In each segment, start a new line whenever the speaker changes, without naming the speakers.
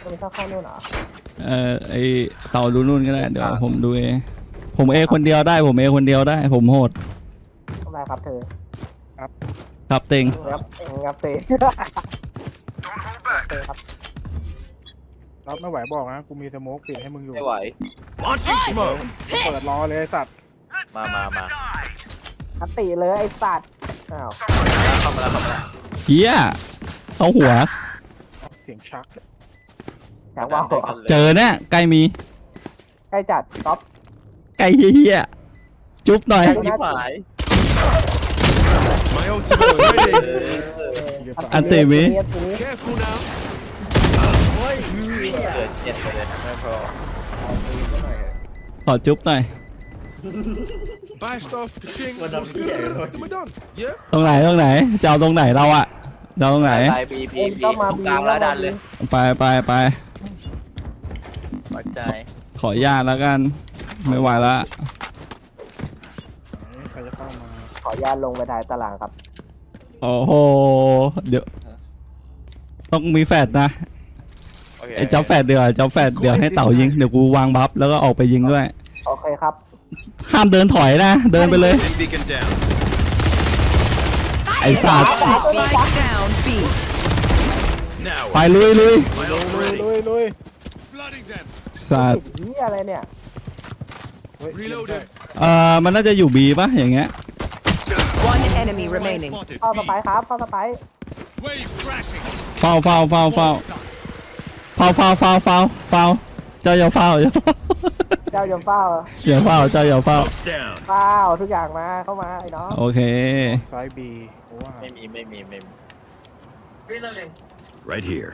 มันเข้านู่นเหรอ
ไอเต่าดูนู่นก็ได้เดี๋ยวผมดูเองผมเอคนเดียวได้ผมเอคนเดียวได้ผมโหด
ทำไรครับเธอ
ครับเต็ง
งับเตะครับ
รับไม่ไหวบอกนะกูมีสโมกปิดให้มึงอยู่
ไม่ไหว
เปิดรอเลยสัตว์
มา
คัตติเลยไอ้สัตว์อ้าว
เข้ามาแล้ว
เฮียเข้าหัว
เสียงชัก
อยากว่า
เจอเนี่ยใกล้มี
ใกล้จัดก๊อป
ใกล้เฮียจุ๊บหน่อย
ยิบหาย
อันเตมิ
เกิดเจ็ดเลยไม่พอ
ขอจุ๊บหน่อยตรงไหนจะเอาตรงไหนเราอะเราตรงไหน
ไปบีตรงกลางแล้วดันเลย
ไป
ปัจจัย
ขออนุญาตแล้วกันไม่ไหวละ
ใครจะเข้ามา
ขออนุญาตลงไปถ่ายตารางครับ
โอ้โหเดี๋ยวต้องมีแฟดนะไอ้เจ้าแฟดเดี๋ยวให้เต่ายิงเดี๋ยวกูวางบัฟแล้วก็ออกไปยิงด้วย
โอเคครับ
ห้ามเดินถอยนะเดินไปเลยไอ้สัตว์ไปลุยสัตว์
นี่อะไรเนี่ย
มันน่าจะอยู่บีป่ะอย่างเงี้ย
เข้าสไปครับเข้าสไป
เฝ้าเจ้าอย่าเฝ้า
เจ้าอย่าเฝ้า
เ
ทุกอย่างมาเข้ามาไอ้น้อง
โอเค
ซ้ายบี
ไม่มี
right here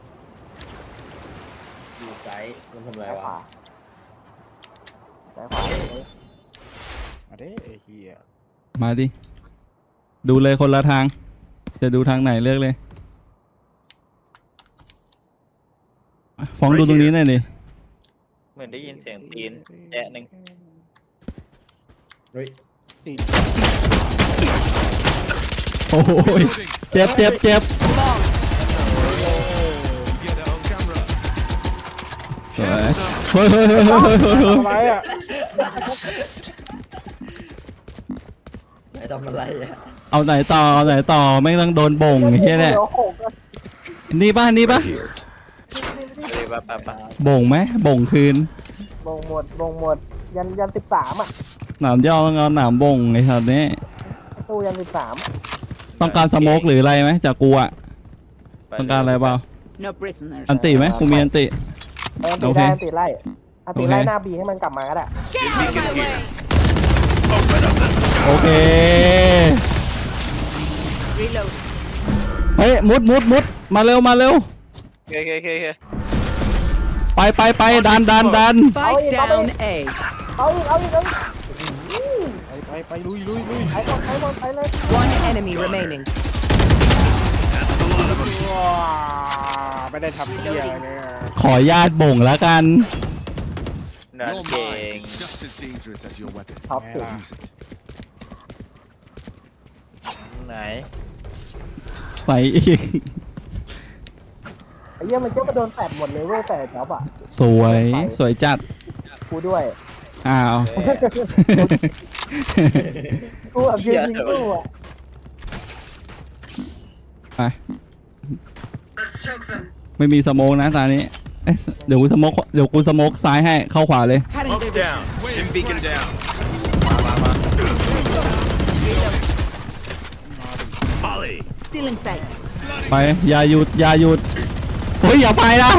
อยู่ไซส์มันทำอะไรวะ
ซ้ายขวา
มาดิไอ้เหี้ย
มาดิดูเลยคนละทางจะดูทางไหนเลือกเลยฟ้องดูตรงนี้หน่อยดิ
เหมือนได้ยินเสียงตีนแอะหนึ่ง
โอ้ยเจ็บเฮ้ย
อะไรอ่ะ
ทำอะไรอ่ะ
เอาไหนต่อไม่ต้องโดนบ่งเฮียเนี่ยนี่ป่ะบ่งไหมบ่งคืน
บ่งหมดยัน13อ่ะ
หนามย่อต้องเอาหนามบ่งไอ้สัตว์นี้
ตู้ยัน13
ต้องการสโมกหรืออะไรไหมจากกูอ่ะต้องการอะไรเปล่าอันติไหมกูมีอันติ
โอเคอันติไล่หน้าบีให้มันกลับมาก็ได้
โอเคเฮ้ยมุดมาเร็ว
โอเค
ไปดัน
เอาอีก
ไปลุย
ไปเลย
One enemy remaining
ไม่ได้ทำเหี้ยเลย
ขอญาติบ่งแล้วกัน
นั่นเก่ง
ท็อปสุด
ไหน
ไปอีก
ไอ้เหี้ยมันก็มาโดนแตะหมดเลยเว้ยแต่จ๊อบอ่ะ
สวยจัด
กูด้วย
อ้าว
กูแบบยืนยิงกูอ่ะ
ไปไม่มีสโมกนะตอนนี้เดี๋ยวกูสโมกซ้ายให้เข้าขวาเลยไปอย่าหยุดเฮ้ยอย่าไปนะ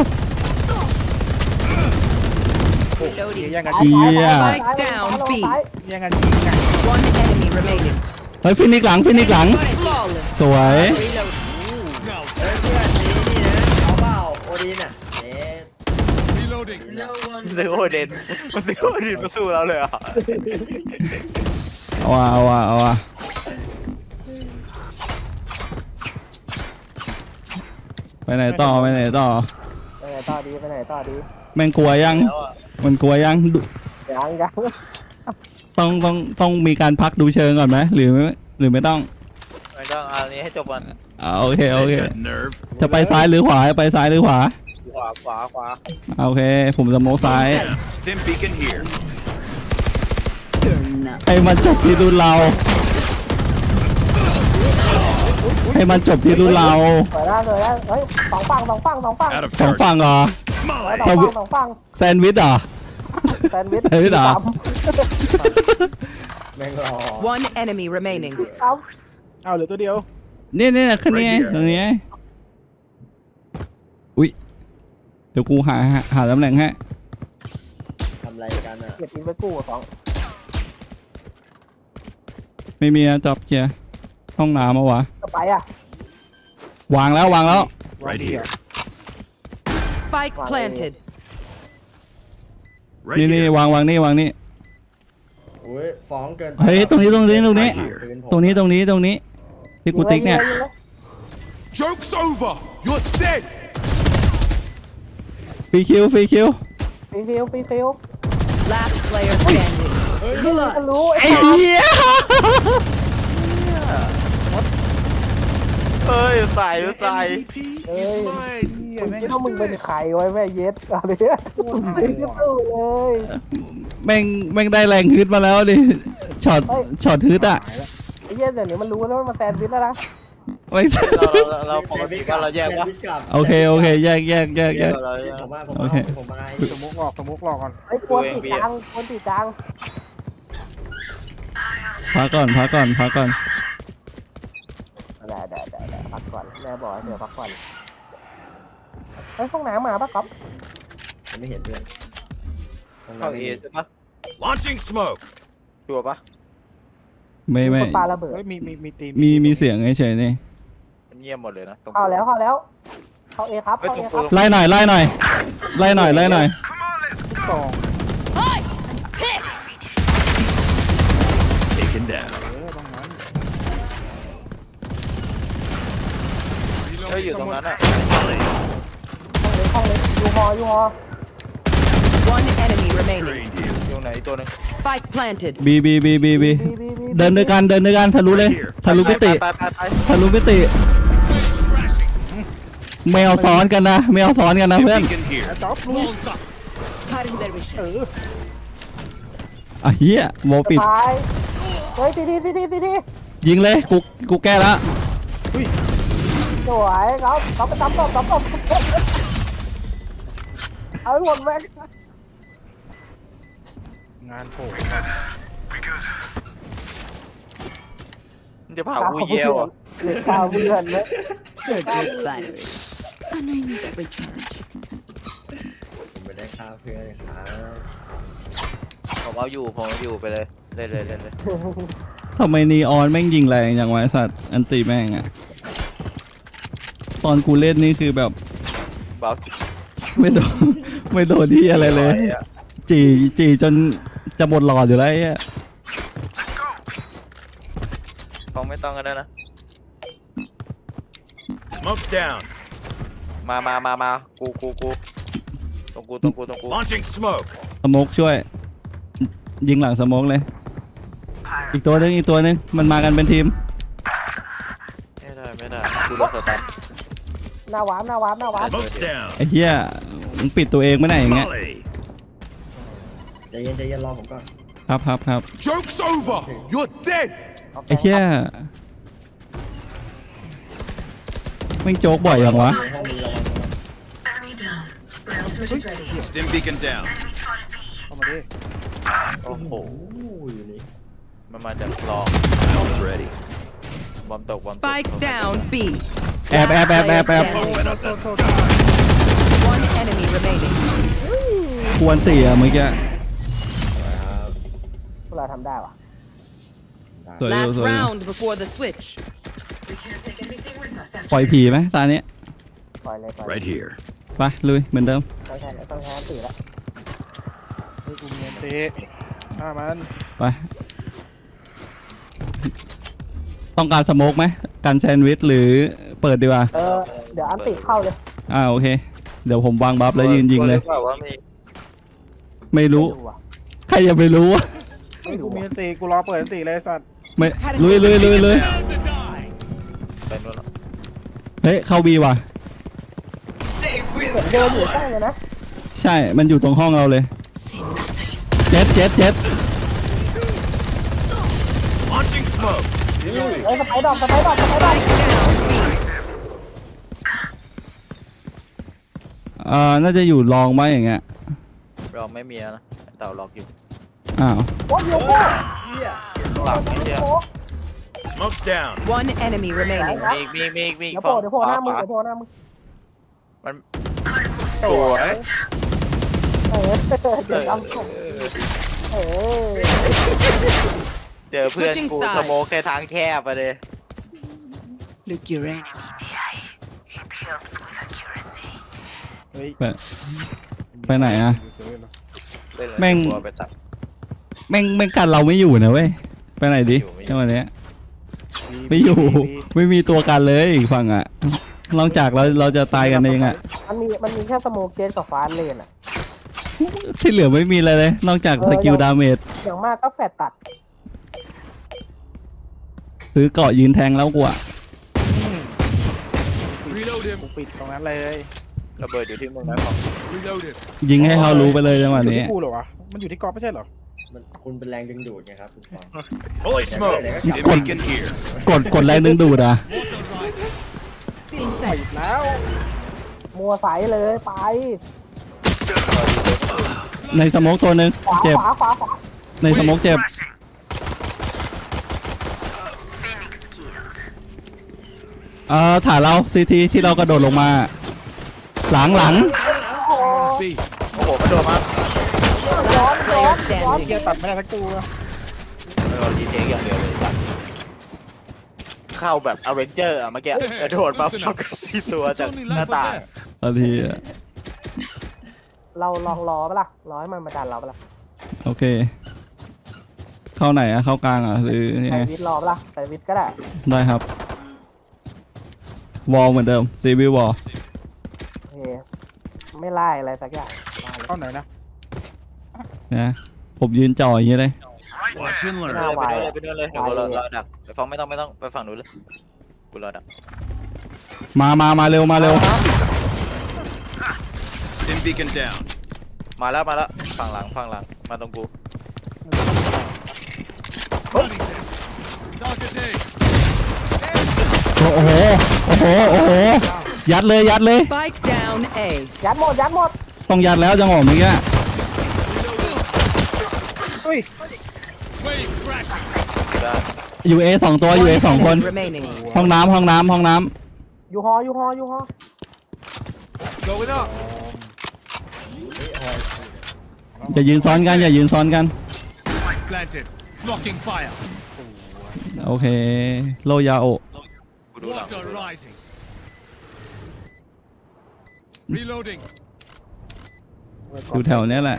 Reloading.
เฮีย
Spike down B.
ยังไงยิงกัน
One enemy remaining.
เฮ้ยฟินิกหลัง
Flawless.
สวย
ซื้อโอเดนมาสู้เราเลยอ่ะ
เอาว่ะไปไหนต่อ
ไปไหนต่อดี
แม่งกลัวยังมันกลัวยังต้องมีการพักดูเชิงก่อนไหมหรือไม่ต้อง
อันนี้ให้จบก่อน
โอเคจะไปซ้ายหรือขวา
ขวขวา
โอเค ผมสโมกซ้าย
Stim beacon here.
You're not.
ให้มันจบที่รุ่นเรา ให้มันจบที่รุ่นเรา
สวยแล้วเฮ้ยสองฝั่ง
Out of
สอง
charge.
ฝั่งเหรอ
Molly.
สองฝั่ง
แซนด์วิชเหรอ
แซนด์วิช
แซนด์วิชเหรอ
แม่งรอ
One enemy remaining.
ครับ
เอาเหลือตัวเดียว
เนี่ยขึ้นนี่ไงตรงนี้ไงอุ้ยเดี๋ยวกูหาตำแหน่งให้
ทำอะไรกันอ่ะ
เก็บอินไปกู้สอง
ไม่มีนะจอบเคลียร์ห้องน้ำมาวะ
จะไปอ่ะ
วางแล้ว
Right here.
Spike planted.
Right
นี่
here.
วางนี่
โอ้ยฟ้องเกินไป
เฮ้ยตรงนี้
ปืผม
ตรงนี้ที่กูติ๊กเนี่ย
ยิงล
Joke's over. You're dead.
ฟรีคิว
ฟรีคิว
Last player standing.
ก็รู้
ไอ้เหี้ย
เฮ้ยใส่
MVP
เอ้ย
is mine.
มึงคิดว่ามึงเป็นใครไว้แม่เย็ดอะไรเนี่ยไม่ได้สู้เลย
แม่งได้แรงฮึดมาแล้วดิช็อตฮึดอ่ะ
ไอ้เหี้ยเดี๋ยวนี้มันรู้แล้วว่ามันแซนด์วิชแล้วนะ
ไม่ใช่
เราปกติว่าเราแยกวะ
โอเคแยก
แยกเรา
ผมมา
โอเค
ผมมา
สโมกหลอกก่อน
ไอ้กวนตีกลาง
พักก่อน
ได้พักก่อนแม่บอกให้เธอพักก่อนไอ้ห้องน้ำมาปะครับ
ผมไม่เห็นด้วย
เข้าเอใช่ปะ
Launching smoke.
ชัวร์ปะ
ไม่
คนปาระเบิด
เฮ้ยมีตี
มีเสียงเฉยๆนี่
มันเงียบหมดเลยนะตรง
เข้าแล้วเข้าเอครับ
ไล่หน่อย
สอง
Taken down.
ตรงนั้น
เฮ้ยอยู่ตรงนั้นอ่ะ
ห้องเล็กยูฮอ
One enemy remaining.
Trained here.
อยู่ไหนอีกตัวหนึง
Spike planted.
บีเดินด้วยกันทะลุเลยทะลุมิติ
ไป
ทะลุมิติไม่เอาซ้อนกันนะเพื่
Stim
อน
beacon here.
จ๊อบลุย
อ่ะเฮียโมปิด
ตายเฮ้ยตี
ยิงเลยกูแก้ละ
สวยครับเขาไปตบเอาหมดแม็ก
งานโผล่
มันจะพากูเยี่ยวอ่ะ
เด็กข้าวเพื่อนเลย
Good battery.
ผมไม่ได้ฆ่าเพื่อนครับ
ผมเอาอยู่ไปเลยเลย
ทำไมนีออนแม่งยิงแรงอย่างวะไอ้สัตว์อันตีแม่งอะตอนกูเล่นนี่คือแบบ
เบาจริง
ไม่โดนที่อะไรเลย จีจนจะหมดหลอดอยู่แล้วไอ้เหี้ย
ของไม่ต้องกันได้นะ
Smoke's down.
มากูตรงกู
Launching smoke.
สโมกช่วย ยิงหลังสโมกเลย อีกตัวหนึงมันมากันเป็นทีม
ไม่ได้กูโดนสตัน
หน้าวาร์ป
Smoke's down.
ไอ้เหี้ยมึงปิดตัวเองไม่ได้อย่างเงี้ย
Molly.
ใจเย็นรอผมก่อน
ครับ
Joke's over. You're dead.
ไอ้เหี้ยแม่งโจ๊กบ่อยอย่างวะ
ในห้องนี้ระวัง
Stim beacon down.
เข้ามาดิ
โอ้โห
อยู่นี่
มันมาจากคลอง
Ult's ready.
บอมตก
Spike down B.
แอบ
Last player standing.
Open up the
One enemy remaining.
กวนตีอะเมื่อกี้
ครับ
พวกเราทำได้วะ
สวย
Last
สวย
round before the switch.
ปล่อยผีไหมตาเนี้ย
ปล่อยเลย
right here.
ไปลุยเหมือนเดิม
ต้องแทนตีแล้ว
เฮ้ยกูมีอันตีฆ่ามัน
ไป ต้องการสโมกไหมการแซนด์วิชหรือเปิดดีกว่า
เดี๋ยวอันติเข้าเลย
โอเค เดี๋ยวผมวางบัฟแล้วยืนยิงเลย
ว่ามี
ไม่รู้ ใครจะไปรู้วะ
เฮ้ยกูมีอันตีกูรอเปิดอันตีเลยสัตว์
ไม่ลุย
Down to die.
เป็นนู่น
เฮ้ยเข้าบีว่ะ
เดินอยู่ใกล้เลยนะ
ใช่ มันอยู่ตรงห้องเราเลย เจ็ด
Launching smoke.
เอ้ยสไปดอก
น่าจะอยู่รองไหมอย่างเงี้ย
เราไม่มีนะเต่าล็อกอยู่
อ้าว
โอ้ยโยโก้
ข้างหลังนี่เดียว
Smoke's down.
One enemy remaining.
มีอีก
เดี๋ยวโผล่หน้ามึง
มัน
ส
สวย
เดี๋ยวจำผมเออ
เจอเพื่อนกูสโมกในทางแคบไปเลย
Look your enemy.
เฮ้ย
ไปไหนอะ
เซเว่นเหรอ
แม่ง
ตัวไปตัด
แม่งกันเราไม่อยู่นะเว้ย ไปไหนดิจังหวะเนี้ยไม่อยู่ ไม่มีตัวกันเลยอีกฝั่งอะนอกจากเราจะตายกันเองอะ
มันมีแค่สโมกเกนกับฟ้าเลนอ่ะ
ที่เหลือไม่มีอะไรเลย นอกจากสกิลดาเมจ
อย่างมากก็แฟดตัด
ซื้อเกาะยืนแทงแล้วกูอะ
Reload him.
กูปิดตรงนั้นเลย
ระเบิดอยู่ที่มึงนะของ
Reload him.
ยิงให้เขารู้ไปเลยจังหวะ
อยู่
นี้
ที่กูเหรอวะมันอยู่ที่กอล์ฟไม่ใช่เหรอ
มันคุณเป็นแรงดึงดูดไงครับคุณฟอง
Fully smoked. Stim beacon here.
กดแรงดึงดูดอะ
ไปอีกแล้ว
มัวใสเลยไป
ในสโมกตัวหนึ่ง
ขวา
เจ็บ
ขวา
ในสโมกเจ็บฐานเราซีทีที่เรากระโดดลงมา หลัง
B.
โอ้โหมันโดนมา
Player
เกีย
standing.
ร์ตัดไม่ได้สักตัว
โดนดีเทคอย่างเดียวเลยตัดเข้าแบบอเวนเจอร์อะเมื่อกี้กระโดดมาพร้อมกับสี่ตัวจากหน้าต่าง
บางทีอะ
เราลองรอปะล่ะรอให้มันมาดันเราปะล่ะ
โอเค เข้าไหนอะเข้ากลางอะหรือยัง
ใส่
ไง
วิทรอปะล่ะใส่วิทก็ได้
ได้ครับ วอลเหมือนเดิมซีบีวอล
โอเคไม่ไล่อะไรสักอย่าง
เข้าไหนนะ
นะผมยืนจ่ออย่างนี้เลย
Watch and
ห
learn.
น้าไว
ไปนู่นเลยเดี๋ยวกูรอดักไปฟังไม่ต้องไปฝั่งนู้นเลยกูรอดัก
มาเร็ว
Stim beacon down.
มาแล้วฝั่งหลังมาตรงกู
Target A.
โอ้โห ยัดเลย
Spike down A.
ยัดหมด
ต้องยัดแล้วจังหวะเมื่อกี้
เฮ้ย
Wave crashing.
ได้
ยูเอสองตัวยูเอสองคน
Enemy remaining.
ห้องน้ำ
อยู่หอ
Going up.
อย่ายืนซ้อนกัน
Planted. Blocking fire.
โอเค โลยาโอ
กูดูหลัง
Water rising. Reloading.
อยู่แถวเนี้ยแหละ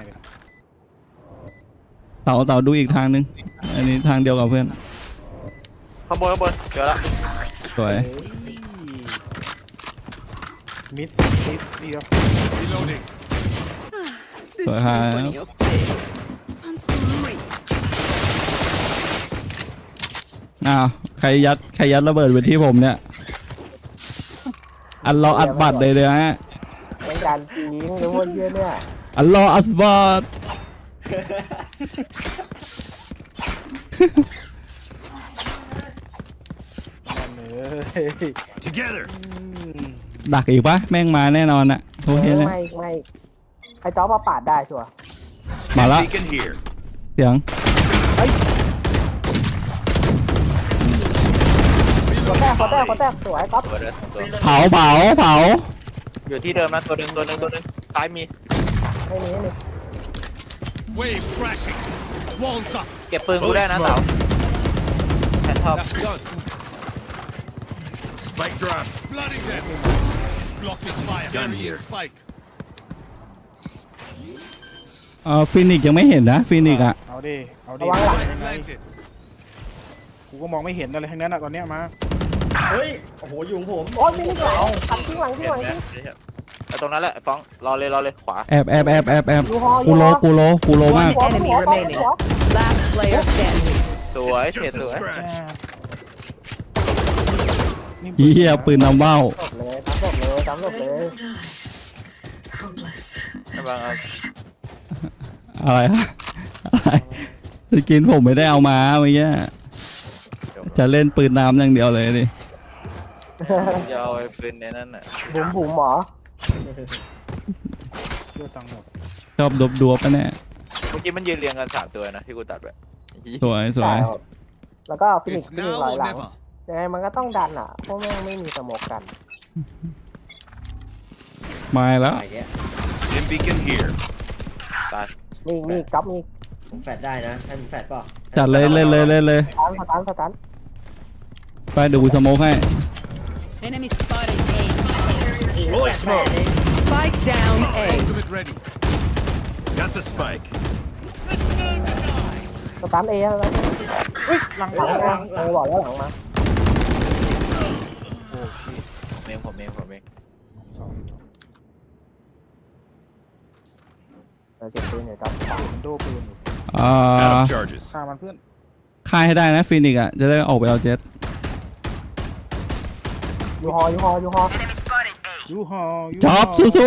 เต่าดูอีกทางนึง อันนี้ทางเดียวกับเพื่อน
ข้างบนเจอละ
สวย
มิดเดียว
Reloading.
สวยครับอ้าวใครยัดระเบิดไปที่ผมเนี่ย อัดบัตรเลยฮะ
เป็นการจริงหรือว่าเยอะเนี่ย
อัสบัต
เลย
Together.
ดักอีกปะแม่งมาแน่นอนอะโอเคเลย
ไม่ไอ้จ๊อบมาปาดได้ชัวร์
มาละ
Beacon here.
เสียง
ขอแตกสวยก๊อฟ
ตัวเดินตัว
เผา
อยู่ที่เดิมนะตัวหนึ่งซ้ายมี
ไม่มี
Wave crashing. Walls up.
เก็บปืนกูได้นะเต๋าแผ่นท็อป
That's done. Spike drop. Flooding them. Blocking fire. Gun here. Spike.
ฟินิกยังไม่เห็นนะฟินิกอะ
เอาดิเอาดิ
ระวังหลัง
Spike planted.
กูก็มองไม่เห็นอะไรทั้งนั้นอะตอนเนี้ยมา
เฮ้ย โอ้โห อยู่ของผม
โอ้ยมีนี่หลังขัดทิ้งหลัง
เห็นไหมไอ้ตรงนั้นแหละฟ้องรอเลยขวา
แอบ
อยู่หอ
กูโลมาก
One enemy remaining. Last player standing.
สวยเทสวย
Scratch.
เฮียปืนนำว่าว
จบเลยตามจบเลย
ระวังเอา
อะไรฮะอะไรสกินผมไม่ได้เอามาเมื่อกี้จะเล่นปืนน้ำอย่างเดียวเลยดิ
จะเอาไอ้ปืนในนั้นน่ะ
บุ๋มหมอ
เลือดตังค์หมด
ชอบดวบๆปะเนี่ย
เมื่อกี้มันยืนเรียงกัน3 ตัวนะที่กูตัดไป
สวยสวย
แล้วก็ฟินิก
It's
ซ์ฟินิก
now
ซ์ลอย
or
หลัง
never.
ยังไงมันก็ต้องดันอ่ะเพราะแม่งไม่มีสโมกกัน
มาแล้ว
อะไรเงี้ย
Stim beacon here.
ตาย
มีก๊อฟมี
ผมแฟดได้นะให้ผมแฟดเปล่ะ
จัดเลยเล่นเลยเล่นเลย
สตัน
ไปเดี๋ยวกูสโมกให้
Enemy spotted A.
Rolling smoke.
Spike down A.
Ultimate ready. Got the spike.
สตันเอแล้ว
เฮ้ยหลัง
หลังมาบอกแล้วหลังมา
โอ้ชิ
ผมเอง
สอง
เจ็บปืนอยู่ก๊อฟ
มันโดปืนอยู่
Out of charges.
ฆ่ามันเพื่อน
ค่ายให้ได้นะฟินิกอ่ะจะได้ออกไปเอาเจ็ต
ยูฮอ
ยูฮอยู
จ๊อบสู้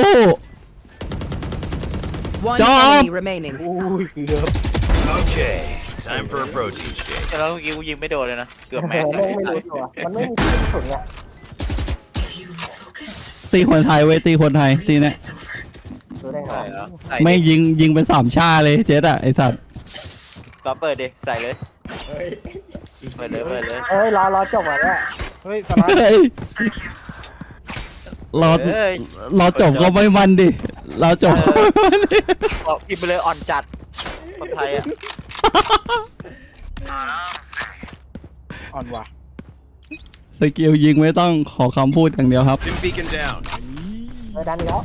One
Job.
enemy remaining.
โอ้ยเกือบ
Okay. Time for a protein shake.
แต่แล้วเมื่อกี้กูยิงไม่โดนเลยนะเกือบแม็ก
แม่งไม่รู้ตัวมันไม่มีที่กระสุนเนี่ย
ๆตีคนไทยเว้ยตีคนไทยตีเนี่ย
ดูได้ไง
ใช่แล้วใส่
ไม่
ดิ
ยิงเป็น3 ชาเลยเจ็ตอ่ะไอสัตว์
ก็เปิดดิใส่เลย
เฮ้ย
เปิดเลย
เอ้ยรอจบอ่ะเนี่ย
เฮ้ยสไลด์
เฮ้ยรอ
เฮ้ย
รอจบก็ไม่มันดิรอจบก็ไม่มันดิ
บอกพิมพ์ไปเลยอ่อนจัดคนไทยอ่ะ
อ่อนว่ะ
สกิลยิงไม่ต้องขอคำพูดอย่างเดียวครับ
Stim beacon down.
ไม่ดันแล้ว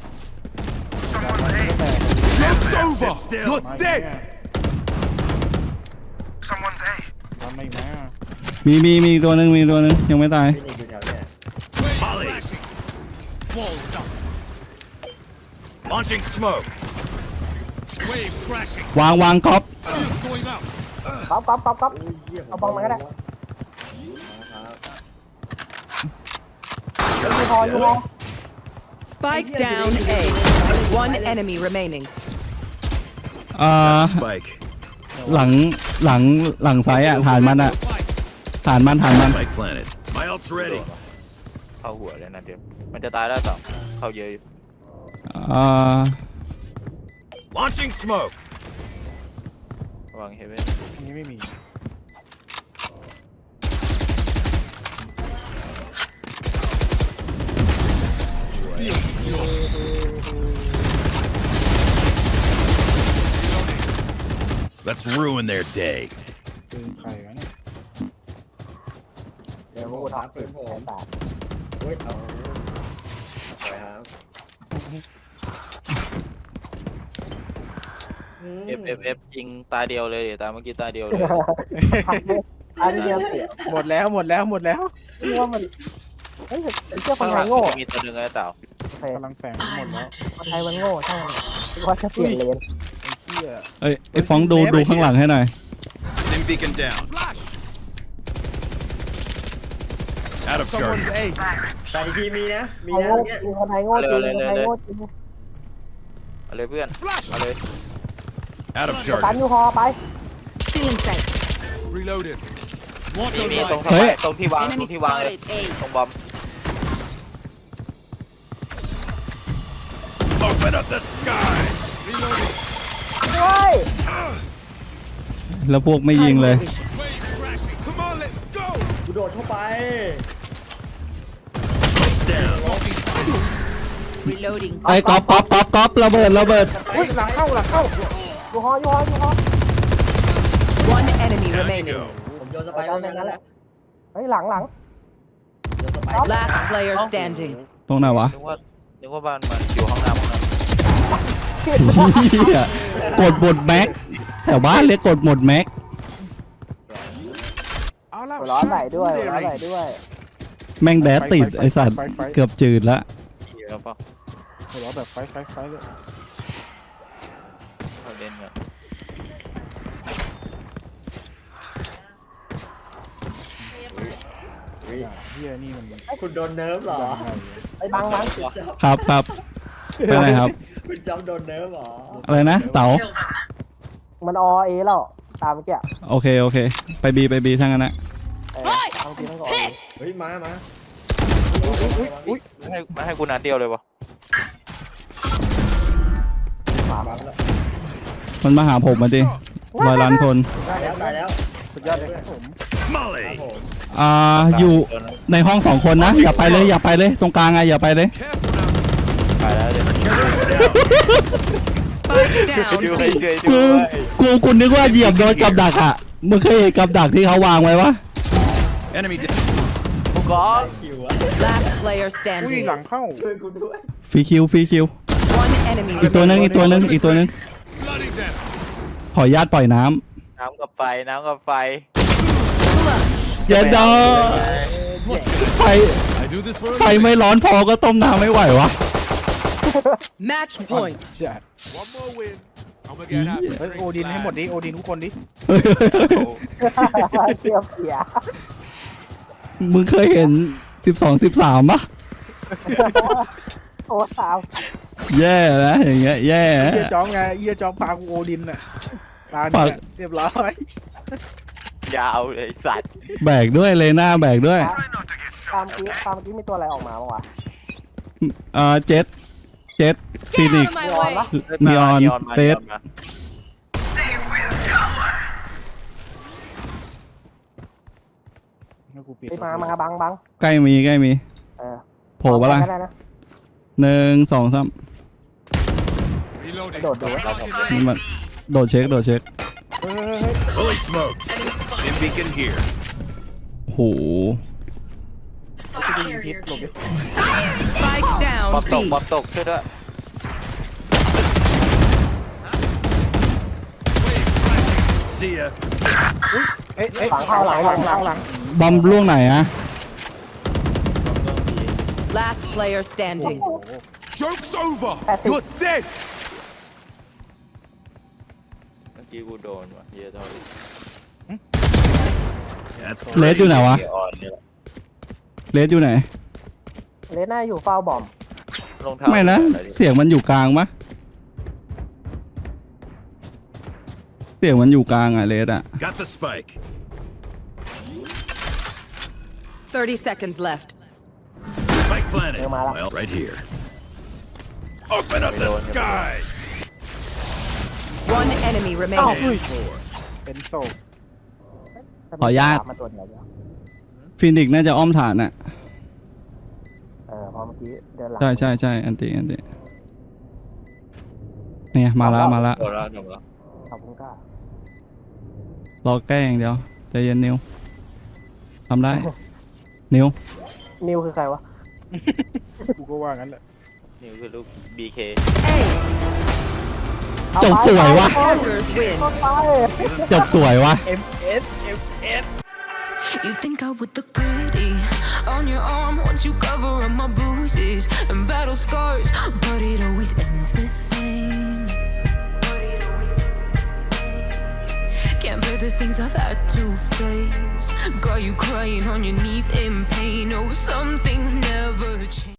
It's over. You're
มา
dead.
ทำไม่มา
มีตัวหนึ่งยังไม่ตาย
พี่นี่อยู่แถวเนี้ย
Molly. Walls up. Launching smoke. Wave crashing.
วางก๊อป
Shield going out.
ก๊อฟ
โอ้ยเหี้ยผม
เอาบอลมาก็ได้
ครับ
ยูฮอ
Spike down A. One enemy remaining.
Spike.
หลังซ้ายอ่ะฐานมันอ่ะ
Spike.
ฐานมัน
Spike planted. My ult's ready.
เข้าหัวเลยนะเดี๋ยวมันจะตายแล้วต่อเข้าเยอะอยู่
Launching smoke.
ระวังเฮเว่น
อันนี้ไม่มี
Let's ruin their day.
ปืนใครวะเนี่ย
เดี๋ยวผ
กู
ม
ทั
ทั
บบ
ปืนผม
แปด
เฮ้ยเอาไปครับ
เอฟยิงตาเดียวเลยเดี๋ยวตาเมื่อกี้ตาเดียวเลย
อันเดียวเสีย
หมดแล้ว
เรียกว่ามันเฮ้ยเชื่อคนไทยโง่
มีตัวหนึ่งไอ้เต่า
กำลังแฝงหมดแล้ว
คนไทยมันโง่ใช่ไหมว่าจะเปลี่ยนเลน
ไอ้เหี้ย
เอ้ยไอ้ฟ้องดูข้างหลังให้หน่อย
Stim beacon down. Out of charges.
แต่อีกทีมีนะ มี
ไทย
นะ
โง่
เนี้ย
จริงคนไทยโง่จริงคนไทยโง่จริง
เอาเลยเพื่อนเอาเลย
Out of
ตัน
charges.
ยูฮอไป
Stealing sight.
Reloaded.
มีตรง
เฮ้ย
ตรงที่วางตร
Enemy
งที่วางเลย
spotted A.
ตรงบอม
Open up the sky.
เฮ้ย
แล้วพวกไม่ยิงเลย
Wave crashing. Come on, let's go.
กูโดดเข้าไป
Down.
Reloading.
ไอ้ก๊อประเบิด
อุ้ยหลังเข้า
ยูฮอ
One enemy
Down you
remaining.
go.
ผมโยนสไปร์ไว้นั่นแหละ
เฮ้ยหลัง
โยนสไปร์
Last player standing.
ตรงไหนวะ
นึกว่าบ้านมันอยู่ห้องน้ำ
เหี้ยกดหมดแม็กแถวบ้านเลยกดหมดแม็ก
เอาแล้ว
ร้อนไหลด้วย
แม่งแดดติดไอสัตว์เกือบจืดละ
เยอะเปล่า
หัวเราะแบบไฟเลย
เขาเล่นกัน
เฮ้ย
เหี้ยนี่มัน
คุณโดนเนิร์ฟเหรอ
ไอ้บัง
ครับไปไหนครับ
คุณจำโดนเนิร์ฟเหรอ
อะไรนะเต๋า
มันอเอแล้วตามเมื่อกี้
โอเคโอเค ไปบีทั้งนั้นนะ
ทั้งทีทั้งอเอ
เฮ้ยมา
มันให้กูนัดเดียวเลยวะ
บัฟแล้ว
มันมาหาผมมาดิ100 ล้านคน
ตายแล้ว
สุดยอดเลยครับผม
Molly.
ผม
อยู่ในห้อง2 คนนะอย่าไปเลยอย่าไปเลยตรงกลางไงอย่าไปเลย
Careful now.
ไปแล้วเดี๋ยว
Spike
ช่วย
down
ดูให้
B.
ช่วยดู
กูนึกว่าเหยียบโดนกับดักอ่ะมึงเคยเห็นกับดักที่เขาวางไว้ปะ
Enemy down.
กูก้อง
คิวอะ
Last player
อุ้ย
standing.
หลังเข้า
ช่วยกูด้วย
ฟรีคิว
One enemy
อีกตัวนึง
remaining.
อีกตัวนึงอีกตัวนึง
Bloody them.
ขออนุญาตปล่อยน้
น้ำกับไฟน้ำกับไฟ
ำเย็นดอไฟ
I do this for a
ไฟไม่ร้อนพอก็ต้มน้ำไม่ไหววะ
Match point.
ใช่
One more win. I'm gonna get happy.
เฮ้ยโอดินให้หมดดิโอดินทุกคนดิ
เสียเสีย
มึงเคยเห็น12-13ปะ
โอ้สาว
แย่นะอย่างเงี้ยแย่
เฮียจ้องไงเฮียจ้องพากูโอดินน่ะตาเนี่ยเรียบร้อย
ยาวเลยสัตว์
แบกด้วยเลยหน้าแบกด้วย
ตามกี้มีตัวอะไรออกมาบ้างวะ
เจ็ดฟินิก
มีออนปะ
นีออน
มา
เรด
มา
แล้วกูปิด
ไปมาบัง
ใกล้มีโผล่ปะล่ะ
ได้นะ
1 2 3
Reloading.
โดดดู
นี่มันโดดเช็ค
เฮ้ย
Fully smoked. Stim beacon here.
โห
กูจะยิงพิษหลบดิ
Spike
บอ
down
มตก
B.
บอมตกช่วยด้วย
See ya.
เอ้ยหลัง
บอมล่วงไหนอะ
Last player standing.
Joke's over.
That's it.
You're dead.
เมื่อกี้กูโดนว่ะเฮียโดน
That's
เลสอยู่ไหนวะ
เฮียออนเนี่ยแหละ
เลสอยู่ไหน
เลน่าอยู่เฝ้าบอม
รองเท้า
ไม่นะ เสียงมันอยู่กลางปะเสียงมันอยู่กลางอะเลสอะ
Got the spike.
30 seconds left.
Spike planted.
Yo, mala.
Well, right here. Open up the sky.
One enemy
Oh.
remaining.
Four.
เป็นโซ
ขออนุญาต
มาตัวเดียวเดียว
ฟินิกน่าจะอ้อมฐานอะ
พอเมื่อกี้เดินหลัง
ใช่อันติเนี่ยมาละ
โดนแล้วโดนแล้ว
ขอบคุณก้าร
อแก้อย่างเดียวใจเย็นนิวทำได้ นิว
นิวคือใครวะ
กูก็ว่างั้นแหละ
นี่คือลูก BK
A.
จบสวยวะ
Defenders win.
ไป
จบสวยวะ
You think I would look pretty on your arm once you cover up my bruises and battle scars, but it always ends the same. Can't bear the things I've had to face. Got you crying on your knees in pain. Oh, some things never change.